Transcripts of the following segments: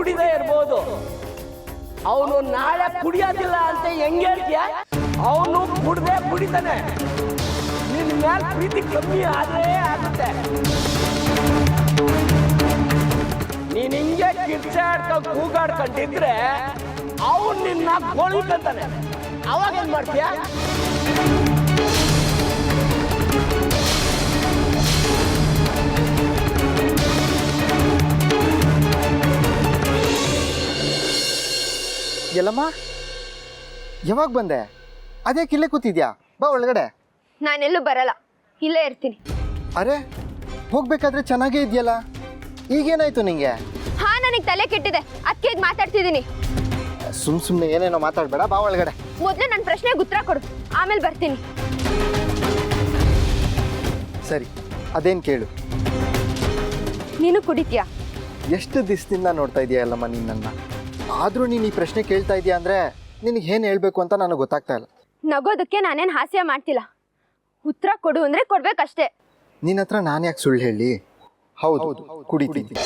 ಕುಡಿದೇ ಇರ್ಬೋದು, ಅವನು ನಾಳೆ ಕುಡಿಯೋದಿಲ್ಲ ಅಂತ ಹೆಂಗೆ ಹೇಳ್ತೀಯ? ಅವನು ಕುಡಿತಾನೆ. ನಿನ್ನ ಮೇಲೆ ಪ್ರೀತಿ ಕಮ್ಮಿ ಆದ್ರೆ ಆಗುತ್ತೆ. ನೀನ್ ಹಿಂಗೆ ಕಿರ್ಚಾಡ್ಕೊಂಡು ಕೂಗಾಡ್ಕೊಂಡಿದ್ರೆ ಅವನು ನಿನ್ನ ಗೋಳಿಕಂತಾನೆ. ಅವಾಗ ಏನ್ ಮಾಡ್ತೀಯ? ಎಲ್ಲಮ್ಮ, ಯಾವಾಗ ಬಂದೆ? ಅದೇ ಕಿಲ್ಲೇ ಕೂತಿದ್ಯಾ? ಬಾ ಒಳಗಡೆ. ನಾನೆಲ್ಲೂ ಬರಲ್ಲ, ಇಲ್ಲೇ ಇರ್ತೀನಿ. ಅರೆ, ಹೋಗ್ಬೇಕಾದ್ರೆ ಚೆನ್ನಾಗೇ ಇದೆಯಲ್ಲ, ಈಗೇನಾಯ್ತು ನಿಂಗೆ? ಹಾ, ನನಗೆ ತಲೆ ಕೆಟ್ಟಿದೆ, ಅದಕ್ಕೆ ಈಗ ಮಾತಾಡ್ತಿದ್ದೀನಿ. ಸುಮ್ಮನೆ ಏನೇನೋ ಮಾತಾಡ್ಬೇಡ, ಬಾ ಒಳಗಡೆ. ಮೊದಲು ನನ್ನ ಪ್ರಶ್ನೆಗೆ ಉತ್ತರ ಕೊಡು, ಆಮೇಲೆ ಬರ್ತೀನಿ. ಸರಿ, ಅದೇನು ಕೇಳು. ನೀನು ಕುಡಿತೀಯಾ? ಎಷ್ಟು ದಿವಸದಿಂದ ನೋಡ್ತಾ ಇದೆಯಾ ಅಲ್ಲಮ್ಮ ನಿನ್ನನ್ನು, ಆದರೂ ನೀನು ಈ ಪ್ರಶ್ನೆ ಕೇಳ್ತಾ ಇದೆಯಾ ಅಂದರೆ ನಿನಗೆ ಏನು ಹೇಳಬೇಕು ಅಂತ ನನಗೆ ಗೊತ್ತಾಗ್ತಾ ಇಲ್ಲ. ನಗೋದಕ್ಕೆ ನಾನೇನು ಹಾಸ್ಯ ಮಾಡ್ತಿಲ್ಲ, ಉತ್ತರ ಕೊಡು ಅಂದರೆ ಕೊಡ್ಬೇಕಷ್ಟೇ. ನಿನ್ನ ಹತ್ರ ನಾನು ಯಾಕೆ ಸುಳ್ಳು ಹೇಳಿ? ಹೌದು, ಕುಡಿತೀನಿ.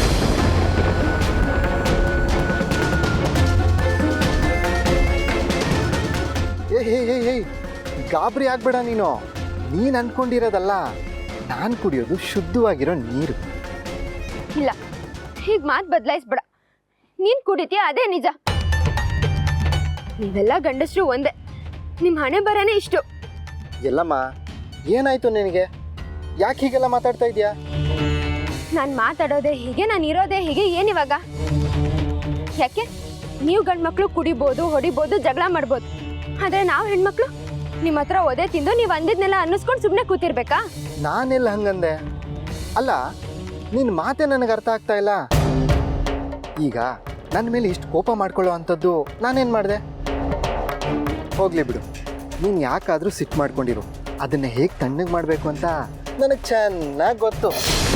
ಏ ಗಾಬರಿ ಆಗ್ಬೇಡ. ನೀನು ಅನ್ಕೊಂಡಿರೋದಲ್ಲ, ನಾನು ಕುಡಿಯೋದು ಶುದ್ಧವಾಗಿರೋ ನೀರು. ಇಲ್ಲ, ಹೀಗೆ ಮಾತು ಬದಲಾಯಿಸ್ಬೇಡ. ನೀನು ಕುಡಿತೀಯ, ಅದೇ ನಿಜ. ನೀವೆಲ್ಲ ಗಂಡಸರು ಒಂದೇ, ನಿಮ್ಮ ಹಣೆ ಬರನೇ ಇಷ್ಟು. ಎಲ್ಲಮ್ಮ, ಏನಾಯ್ತು ನಿನಗೆ? ಯಾಕೆ ಹೀಗೆಲ್ಲ ಮಾತಾಡ್ತಾ ಇದೆಯಾ? ನಾನು ಮಾತಾಡೋದೇ ಹೀಗೆ, ನಾನು ಇರೋದೇ ಹೀಗೆ. ಏನಿವಾಗ? ಯಾಕೆ? ನೀವು ಗಂಡು ಮಕ್ಕಳು ಕುಡಿಬೋದು, ಹೊಡಿಬೋದು, ಜಗಳ ಮಾಡ್ಬೋದು. ಆದರೆ ನಾವು ಹೆಣ್ಮಕ್ಳು ನಿಮ್ಮ ಹತ್ರ ಒದೆ ತಿಂದು ನೀವು ಅಂದಿದ್ನೆಲ್ಲ ಅನ್ನಿಸ್ಕೊಂಡು ಸುಮ್ಮನೆ ಕೂತಿರ್ಬೇಕಾ? ನಾನೆಲ್ಲ ಹಂಗಂದೆ? ಅಲ್ಲ, ನಿನ್ನ ಮಾತೆ ನನಗೆ ಅರ್ಥ ಆಗ್ತಾ ಇಲ್ಲ. ಈಗ ನನ್ನ ಮೇಲೆ ಇಷ್ಟು ಕೋಪ ಮಾಡ್ಕೊಳ್ಳೋ ಅಂಥದ್ದು ನಾನೇನು ಮಾಡಿದೆ? ಹೋಗ್ಲಿ ಬಿಡು, ನೀನು ಯಾಕಾದರೂ ಸಿಟ್ಟು ಮಾಡ್ಕೊಂಡಿರು. ಅದನ್ನು ಹೇಗೆ ತಣ್ಣಗೆ ಮಾಡಬೇಕು ಅಂತ ನನಗೆ ಚೆನ್ನಾಗಿ ಗೊತ್ತು.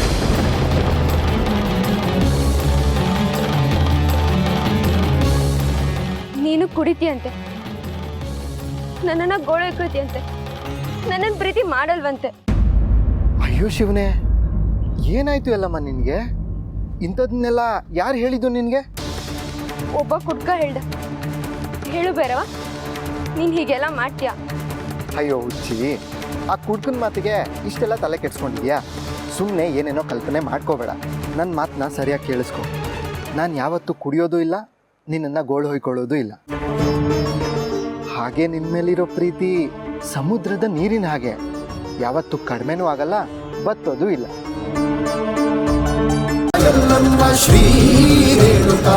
ನೀನು ಕುಡಿತೀಯಂತೆ, ನನ್ನನ್ನು ಗೋಳೈಕೋತಿಯಂತೆ, ನನ್ನನ್ನು ಪ್ರೀತಿ ಮಾಡಲ್ವಂತೆ. ಅಯ್ಯೋ ಶಿವನೇ, ಏನಾಯ್ತು ಎಲ್ಲಮ್ಮ ನಿನಗೆ? ಇಂಥದನ್ನೆಲ್ಲ ಯಾರು ಹೇಳಿದ್ದು ನಿನಗೆ? ಒಬ್ಬ ಕುಡ್ಕ ಹೇಳ್ದ. ಹೇಳು ಬೇರವಾ, ನೀನು ಹೀಗೆಲ್ಲ ಮಾಡ್ತೀಯ? ಅಯ್ಯೋ ಹುಚ್ಚಿ, ಆ ಕುಡ್ಕನ ಮಾತಿಗೆ ಇಷ್ಟೆಲ್ಲ ತಲೆ ಕೆಡ್ಸ್ಕೊಂಡಿದ್ಯಾ? ಸುಮ್ಮನೆ ಏನೇನೋ ಕಲ್ಪನೆ ಮಾಡ್ಕೋಬೇಡ. ನನ್ನ ಮಾತನ್ನ ಸರಿಯಾಗಿ ಕೇಳಿಸ್ಕೊ. ನಾನು ಯಾವತ್ತೂ ಕುಡಿಯೋದು ಇಲ್ಲ, ನಿನ್ನನ್ನು ಗೋಳು ಹೊಯ್ಕೊಳ್ಳೋದು ಇಲ್ಲ. ಹಾಗೆ ನಿನ್ನ ಮೇಲಿರೋ ಪ್ರೀತಿ ಸಮುದ್ರದ ನೀರಿನ ಹಾಗೆ, ಯಾವತ್ತೂ ಕಡಿಮೆನೂ ಆಗಲ್ಲ, ಬತ್ತೋದು ಇಲ್ಲ. ಶ್ರೀ ರೇಣುಕಾ